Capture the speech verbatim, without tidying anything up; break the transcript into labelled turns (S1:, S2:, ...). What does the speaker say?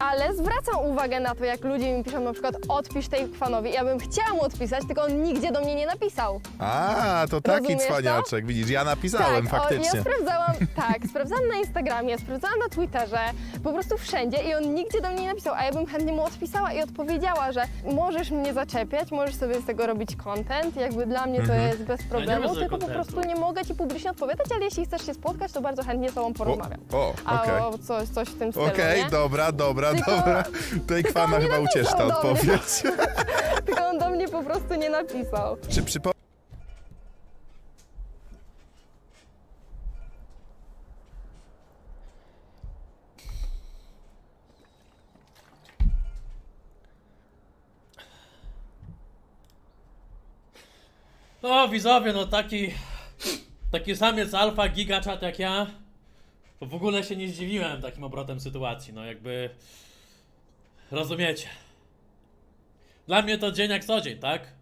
S1: ale zwracam uwagę na to, jak ludzie mi piszą na przykład odpisz tej fanowi. Ja bym chciała mu odpisać, tylko on nigdzie do mnie nie napisał.
S2: A, to taki
S1: Rozumiesz to?
S2: cwaniaczek. Widzisz, ja napisałem
S1: tak,
S2: faktycznie.
S1: O, ja sprawdzałam, tak, sprawdzałam na Instagramie, sprawdzałam na Twitterze, po prostu wszędzie i on nigdzie do mnie nie napisał, a ja bym chętnie mu odpisała i odpowiedziała, że możesz mnie zaczepiać, możesz sobie z tego robić content, jakby dla mnie to
S2: Mhm.
S1: jest bez problemu,
S3: rozumiem
S1: tylko po
S3: contentu.
S1: prostu nie mogę ci publicznie odpowiadać, ale jeśli chcesz się spotkać, to bardzo chętnie z tobą porozmawiam.
S2: O,
S1: A
S2: okej.
S1: o coś, coś w tym stylu,
S2: Okej,
S1: nie?
S2: dobra, dobra,
S1: Tylko-
S2: dobra. Tej
S1: tylko
S2: kwana
S1: on nie
S2: chyba
S1: napisał
S2: ucieszy ta
S1: do mnie.
S2: odpowiedź.
S1: Tylko on do mnie po prostu nie napisał.
S2: Czy przypo...
S3: No widzowie, no taki... Taki samiec alfa, gigaczat jak ja, to w ogóle się nie zdziwiłem takim obrotem sytuacji, no jakby... Rozumiecie. Dla mnie to dzień jak co dzień, tak?